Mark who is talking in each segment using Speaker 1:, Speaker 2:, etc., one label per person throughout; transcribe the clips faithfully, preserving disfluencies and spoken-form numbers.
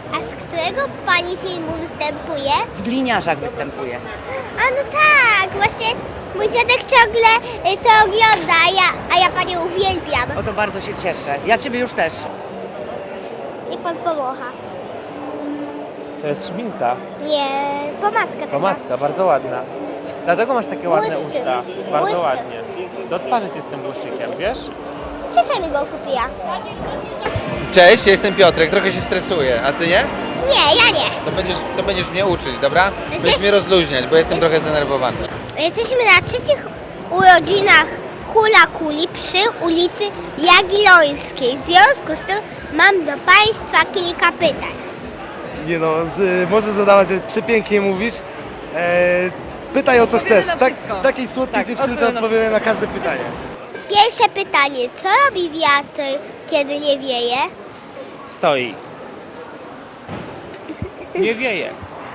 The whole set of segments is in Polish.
Speaker 1: A z którego pani filmu występuje?
Speaker 2: W Gliniarzach występuje.
Speaker 1: A no tak, właśnie mój dziadek ciągle y, to ogląda, a ja, a ja panią uwielbiam.
Speaker 2: O to bardzo się cieszę. Ja ciebie już też.
Speaker 1: Niech pan pomocha.
Speaker 3: To jest szminka,
Speaker 1: Nie, pomadka taka.
Speaker 3: pomadka, bardzo ładna. Dlatego masz takie ładne
Speaker 1: Błyszczyk.
Speaker 3: usta. Bardzo
Speaker 1: Błyszczyk.
Speaker 3: ładnie. Do twarzy cię z tym błyszczykiem, wiesz?
Speaker 1: Ciocia mi go kupiła.
Speaker 4: Cześć, ja jestem Piotrek, trochę się stresuję, a ty nie?
Speaker 1: Nie, ja nie.
Speaker 4: To będziesz, to będziesz mnie uczyć, dobra? Będziesz
Speaker 1: Też-
Speaker 4: mnie rozluźniać, bo jestem trochę zdenerwowany.
Speaker 1: Jesteśmy na trzecich urodzinach Hula Kuli przy ulicy Jagiellońskiej. W związku z tym mam do państwa kilka pytań.
Speaker 5: Nie no, z, możesz zadawać, przepięknie mówisz. E, pytaj o co
Speaker 2: Odpowiemy
Speaker 5: chcesz.
Speaker 2: na
Speaker 5: Tak,
Speaker 2: wszystko.
Speaker 5: takiej słodkiej
Speaker 2: Tak,
Speaker 5: dziewczynce
Speaker 2: odpowiemy na
Speaker 5: odpowiemy na każde pytanie.
Speaker 1: Pierwsze pytanie, co robi wiatr, kiedy nie wieje?
Speaker 3: Stoi. Nie wieje.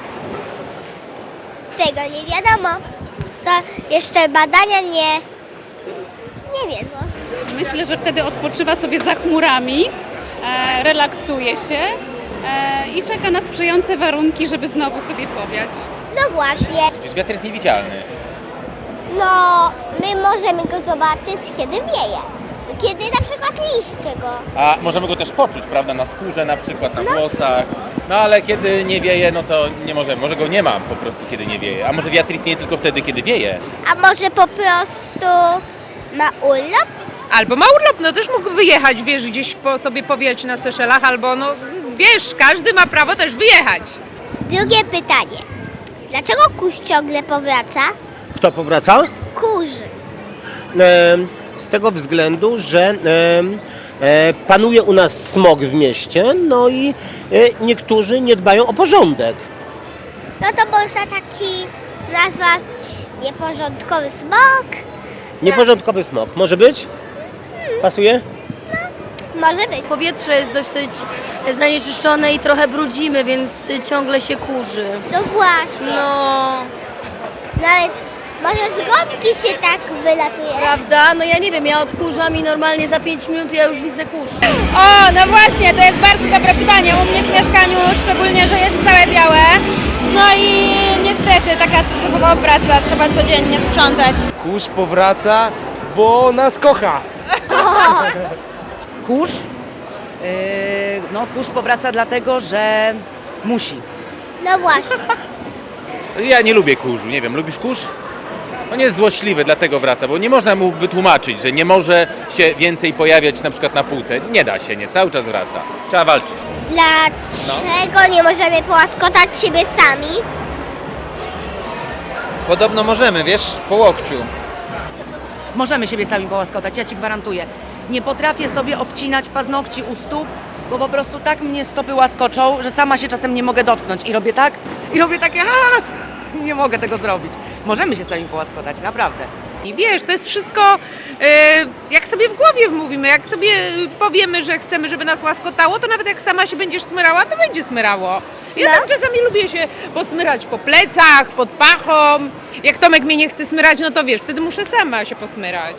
Speaker 1: Tego nie wiadomo. To jeszcze badania nie, nie wiedzą.
Speaker 6: Myślę, że wtedy odpoczywa sobie za chmurami, e, relaksuje się e, i czeka na sprzyjające warunki, żeby znowu sobie powiać.
Speaker 1: No właśnie,
Speaker 7: Przecież wiatr jest niewidzialny.
Speaker 1: no my możemy go zobaczyć, kiedy wieje. Kiedy na przykład liście go.
Speaker 7: A możemy go też poczuć, prawda, na skórze na przykład, na włosach. No ale kiedy nie wieje, no to nie możemy. Może go nie mam po prostu, kiedy nie wieje. A może wiatr istnieje tylko wtedy, kiedy wieje?
Speaker 1: A może po prostu ma urlop?
Speaker 8: Albo ma urlop, no też mógł wyjechać, wiesz, gdzieś po sobie powijać na Seszelach, albo no, wiesz, każdy ma prawo też wyjechać.
Speaker 1: Drugie pytanie. Dlaczego kurz ciągle powraca?
Speaker 9: Kto powraca?
Speaker 1: Kurz.
Speaker 9: E, z tego względu, że e, e, panuje u nas smog w mieście, no i e, niektórzy nie dbają o porządek.
Speaker 1: No to można taki nazwać nieporządkowy smog.
Speaker 9: Nieporządkowy smog. Może być? Pasuje?
Speaker 1: Może być.
Speaker 10: Powietrze jest dosyć zanieczyszczone i trochę brudzimy, więc ciągle się kurzy.
Speaker 1: No właśnie.
Speaker 10: No,
Speaker 1: Nawet może z gąbki się tak wylatuje.
Speaker 10: prawda? No ja nie wiem, ja odkurzam i normalnie za pięć minut ja już widzę kurz.
Speaker 6: O, no właśnie, to jest bardzo dobre pytanie. U mnie w mieszkaniu szczególnie, że jest całe białe. No i niestety taka sezonowa praca, trzeba codziennie sprzątać.
Speaker 5: Kurz powraca, bo nas kocha.
Speaker 2: Kurz? Yy, no kurz powraca dlatego, że musi.
Speaker 1: No właśnie.
Speaker 7: Ja nie lubię kurzu, nie wiem, lubisz kurz? On jest złośliwy, dlatego wraca, bo nie można mu wytłumaczyć, że nie może się więcej pojawiać na przykład na półce. Nie da się, nie, cały czas wraca. Trzeba walczyć.
Speaker 1: Dlaczego nie możemy połaskotać siebie sami?
Speaker 4: Podobno możemy, wiesz, po łokciu.
Speaker 2: Możemy siebie sami połaskotać, ja ci gwarantuję. Nie potrafię sobie obcinać paznokci u stóp, bo po prostu tak mnie stopy łaskoczą, że sama się czasem nie mogę dotknąć. I robię tak, i robię takie, a, nie mogę tego zrobić. Możemy się sami połaskotać, naprawdę.
Speaker 8: I wiesz, to jest wszystko, e, jak sobie w głowie wmówimy, jak sobie powiemy, że chcemy, żeby nas łaskotało, to nawet jak sama się będziesz smyrała, to będzie smyrało. Ja
Speaker 1: No.
Speaker 8: tam czasami lubię się posmyrać po plecach, pod pachą. Jak Tomek mnie nie chce smyrać, no to wiesz, wtedy muszę sama się posmyrać.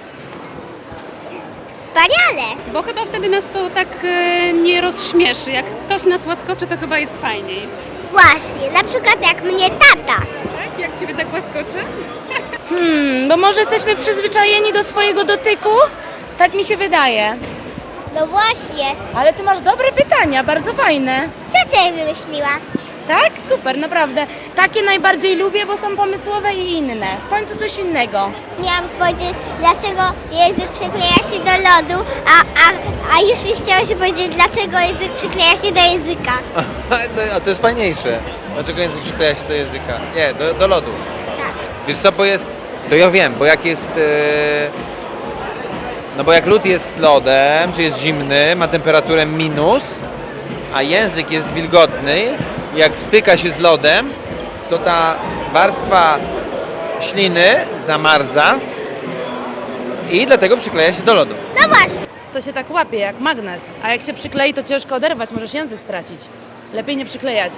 Speaker 1: Wspaniale.
Speaker 6: Bo chyba wtedy nas to tak e, nie rozśmieszy. Jak ktoś nas łaskoczy, to chyba jest fajniej.
Speaker 1: Właśnie, na przykład jak mnie tata.
Speaker 6: Tak? Jak ciebie tak łaskoczy?
Speaker 10: Hmm, bo może jesteśmy przyzwyczajeni do swojego dotyku? Tak mi się wydaje.
Speaker 1: No właśnie.
Speaker 10: Ale ty masz dobre pytania, bardzo fajne.
Speaker 1: Ciocia je wymyśliła.
Speaker 10: Tak? Super, naprawdę. Takie najbardziej lubię, bo są pomysłowe i inne. W końcu coś innego.
Speaker 1: Miałam powiedzieć, dlaczego język przykleja się do lodu, a, a, a już mi chciało się powiedzieć, dlaczego język przykleja się do języka.
Speaker 4: A to jest fajniejsze. Dlaczego język przykleja się do języka? Nie, do, do lodu. Wiesz co, bo jest... To ja wiem, bo jak jest... E, no bo jak lód jest lodem, czy jest zimny, ma temperaturę minus, a język jest wilgotny, jak styka się z lodem, to ta warstwa śliny zamarza i dlatego przykleja się do lodu.
Speaker 1: No właśnie.
Speaker 10: To się tak łapie jak magnes, a jak się przyklei, to ciężko oderwać, możesz język stracić. Lepiej nie przyklejać.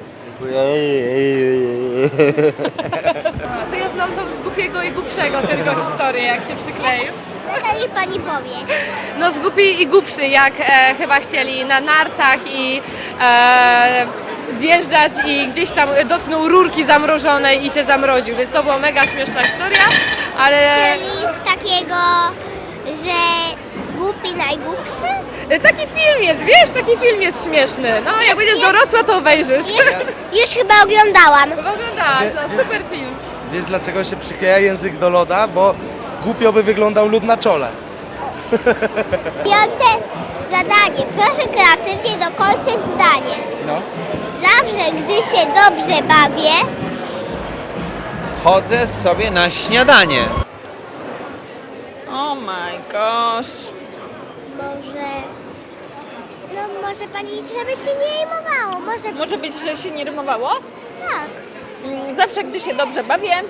Speaker 6: To ja znam to z głupiego i głupszego tylko historię, jak się przykleił.
Speaker 1: Natalii pani powie.
Speaker 10: No zgubi i głupszy, jak e, chyba chcieli na nartach i
Speaker 6: e, zjeżdżać i gdzieś tam dotknął rurki zamrożonej i się zamroził, więc to była mega śmieszna historia, ale
Speaker 1: Czyli z takiego, że głupi najgłupszy?
Speaker 6: taki film jest, wiesz, taki film jest śmieszny. No, jak będziesz dorosła, to obejrzysz.
Speaker 1: Już chyba oglądałam.
Speaker 6: Oglądałaś, no super film.
Speaker 5: Wiesz dlaczego się przykleja język do loda? Bo głupio by wyglądał lód na czole.
Speaker 1: Piąte zadanie. Proszę kreatywnie dokończyć zdanie.
Speaker 4: No.
Speaker 1: Zawsze, gdy się dobrze bawię,
Speaker 4: Chodzę sobie na śniadanie.
Speaker 6: Oh my gosh.
Speaker 1: może... No może pani, żeby się nie imowało. Może...
Speaker 6: Może być, że się nie rymowało?
Speaker 1: Tak.
Speaker 6: Mm, Zawsze, gdy się dobrze bawię, em,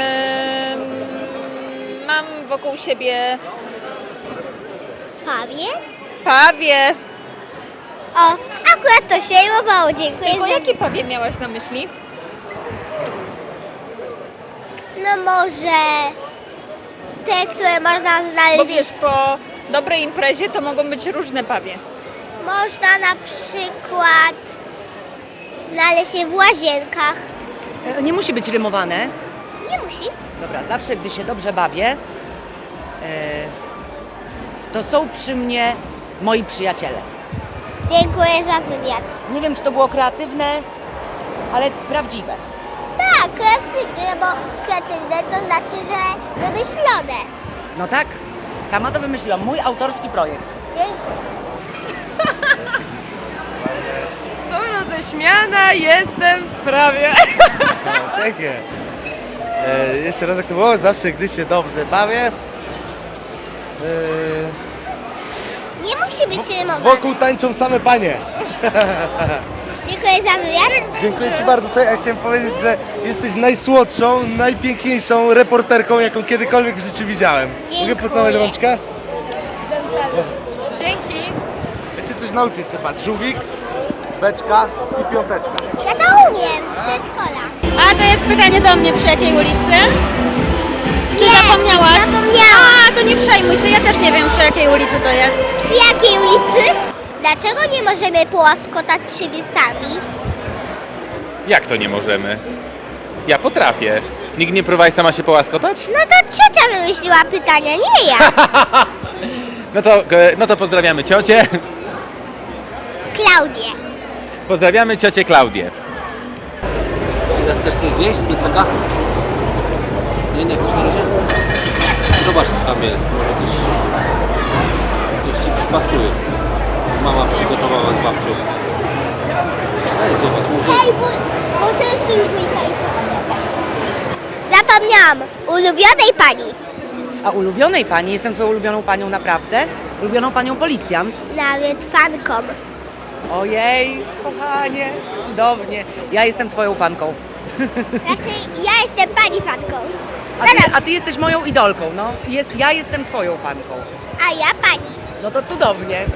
Speaker 6: mam wokół siebie
Speaker 1: Pawie?
Speaker 6: pawie.
Speaker 1: O, akurat to się imowało. Dziękuję
Speaker 6: Tylko
Speaker 1: za...
Speaker 6: jakie pawie miałaś na myśli?
Speaker 1: No może... Te, które można
Speaker 6: Bo
Speaker 1: znaleźć...
Speaker 6: wiesz, po dobrej imprezie to mogą być różne pawie.
Speaker 1: Można na przykład znaleźć się w łazienkach.
Speaker 2: E, Nie musi być rymowane.
Speaker 1: Nie musi.
Speaker 2: Dobra, zawsze gdy się dobrze bawię, e, to są przy mnie moi przyjaciele.
Speaker 1: Dziękuję za wywiad.
Speaker 2: Nie wiem, czy to było kreatywne, ale prawdziwe.
Speaker 1: Tak, kreatywne, no bo kreatywne to znaczy, że wymyślone.
Speaker 2: No tak, sama to wymyśliłam. Mój autorski projekt.
Speaker 1: Dziękuję.
Speaker 6: To roześmiana jestem prawie.
Speaker 5: No, pięknie. E, jeszcze raz jak to było? Zawsze gdy się dobrze bawię. E,
Speaker 1: Nie musi być rymowane.
Speaker 5: wokół tańczą same panie.
Speaker 1: Dziękuję za wywiad.
Speaker 5: Dziękuję Ci bardzo. Słuchaj, ja chciałem powiedzieć, że jesteś najsłodszą, najpiękniejszą reporterką, jaką kiedykolwiek w życiu widziałem. Mogę
Speaker 1: Dziękuję.
Speaker 5: pocałować rączkę?
Speaker 6: Dzięki.
Speaker 5: Ja Cię coś nauczę jeszcze, patrz. Żółwik, beczka i piąteczka.
Speaker 1: Ja to umiem z przedszkola.
Speaker 6: A to jest pytanie do mnie, przy jakiej ulicy? Czy
Speaker 1: Nie,
Speaker 6: zapomniałaś?
Speaker 1: zapomniałam.
Speaker 6: A, to nie przejmuj się, ja też nie wiem, przy jakiej ulicy to jest.
Speaker 1: Przy jakiej ulicy? Dlaczego nie możemy połaskotać siebie sami?
Speaker 7: Jak to nie możemy? Ja potrafię. Nikt nie próbuje sama się połaskotać?
Speaker 1: No to ciocia wymyśliła pytania, nie ja.
Speaker 7: No to, e, no to pozdrawiamy ciocię.
Speaker 1: Klaudię.
Speaker 7: Pozdrawiamy ciocię Klaudię.
Speaker 3: Chcesz coś zjeść z plecaka? Nie, nie chcesz na razie? Zobacz co tam jest, może coś, coś Ci przypasuje. Mama przygotowała z babcią. Weź zobacz, może...
Speaker 1: Hej, bo, bo często już wujka i ciocię. Zapomniałam. Ulubionej pani.
Speaker 2: A ulubionej pani, jestem twoją ulubioną panią naprawdę? Ulubioną panią policjant?
Speaker 1: Nawet fanką.
Speaker 2: Ojej, kochanie, cudownie. Ja jestem twoją fanką.
Speaker 1: Raczej ja jestem pani fanką.
Speaker 2: A ty, a ty jesteś moją idolką, no. Jest, ja jestem twoją fanką.
Speaker 1: A ja pani.
Speaker 2: No to cudownie.